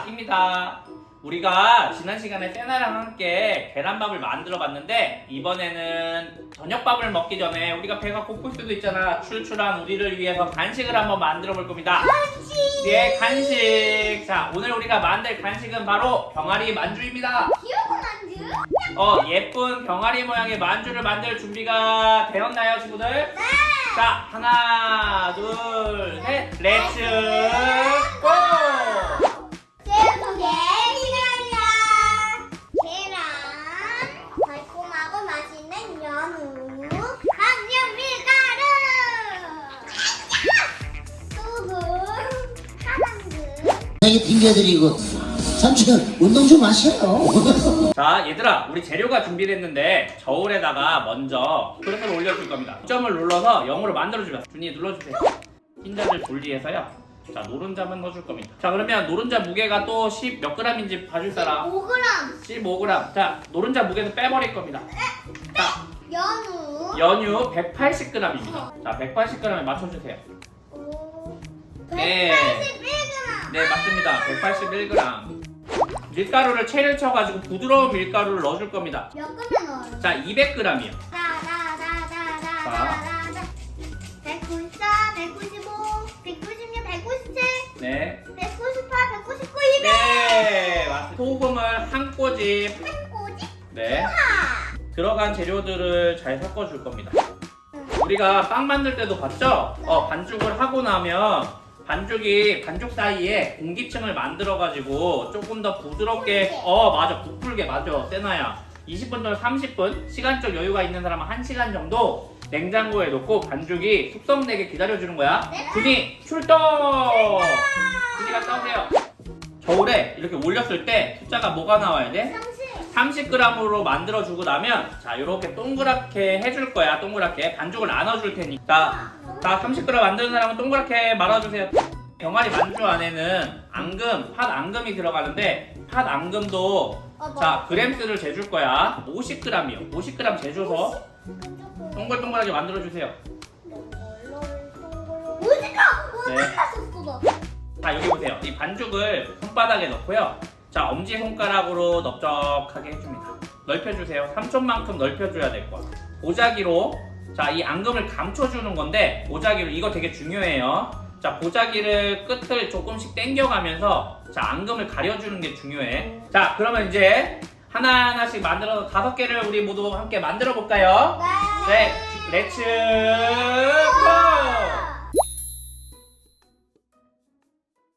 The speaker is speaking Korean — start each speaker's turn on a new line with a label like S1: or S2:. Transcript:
S1: 입니다. 우리가 지난 시간에 세나랑 함께 계란밥을 만들어 봤는데 이번에는 저녁밥을 먹기 전에 우리가 배가 고플 수도 있잖아. 출출한 우리를 위해서 간식을 한번 만들어 볼 겁니다.
S2: 간식!
S1: 네, 간식. 자, 오늘 우리가 만들 간식은 바로 병아리 만주입니다.
S2: 귀여운 만두?
S1: 예쁜 병아리 모양의 만주를 만들 준비가 되었나요, 친구들?
S2: 네!
S1: 자, 하나, 둘, 셋, 렛츠 고!
S2: 제목의 시간이야. 계란, 달콤하고 맛있는 연우, 강력 밀가루, 소금, 파당근.
S3: 이게 ting겨드리고 삼촌 운동 좀 하세요.
S1: 자, 얘들아, 우리 재료가 준비됐는데 저울에다가 먼저 그릇을 올려줄 겁니다. 점을 눌러서 0으로 만들어주면 준이 눌러주세요. 흰자를 분리해서요. 자, 노른자만 넣어줄 겁니다. 자, 그러면 노른자 무게가 또 10 몇 g인지 봐줄 사람?
S2: 5g
S1: 15g. 자, 노른자 무게도 빼버릴 겁니다. 자,
S2: 연우,
S1: 연유 180g입니다. 자, 180g에 맞춰주세요. 네.
S2: 181g.
S1: 네, 맞습니다. 181g. 밀가루를 체를 쳐가지고 부드러운 밀가루를 넣어줄 겁니다.
S2: 몇 그램 넣어요?
S1: 자, 200g이요.
S2: 194, 195, 196, 197,
S1: 네.
S2: 198, 199, 200.
S1: 네, 맞습니다. 소금을 한 꼬집.
S2: 꼬지?
S1: 네. 들어간 재료들을 잘 섞어줄 겁니다. 우리가 빵 만들 때도 봤죠? 반죽을 하고 나면 반죽 사이에 공기층을 만들어가지고 조금 더 부드럽게, 맞아, 부풀게, 맞아, 세나야. 20분 또는 30분, 시간적 여유가 있는 사람은 1시간 정도 냉장고에 놓고 반죽이 숙성되게 기다려주는 거야.
S2: 네.
S1: 준이, 출동! 준이 갔다 오세요. 저울에 이렇게 올렸을 때 숫자가 뭐가 나와야 돼? 30g으로 만들어주고 나면 자, 이렇게 동그랗게 해줄 거야. 동그랗게 반죽을 나눠줄 테니까. 자, 30g 만드는 사람은 동그랗게 말아주세요. 병아리 만주 안에는 앙금, 팥 앙금이 들어가는데 팥 앙금도 자, 그램수를 재줄 거야. 50g이요. 50g 재줘서 동글동글하게 만들어주세요.
S2: 오지카 썼어.
S1: 자, 여기 보세요. 이 반죽을 손바닥에 넣고요. 자, 엄지손가락으로 넓적하게 해줍니다. 넓혀주세요. 삼촌만큼 넓혀줘야 될 거야. 보자기로, 자, 이 앙금을 감춰주는 건데, 보자기로, 이거 되게 중요해요. 자, 보자기를 끝을 조금씩 당겨가면서, 자, 앙금을 가려주는 게 중요해. 자, 그러면 이제 하나하나씩 만들어서 5개를 우리 모두 함께 만들어 볼까요? 네, 렛츠 고!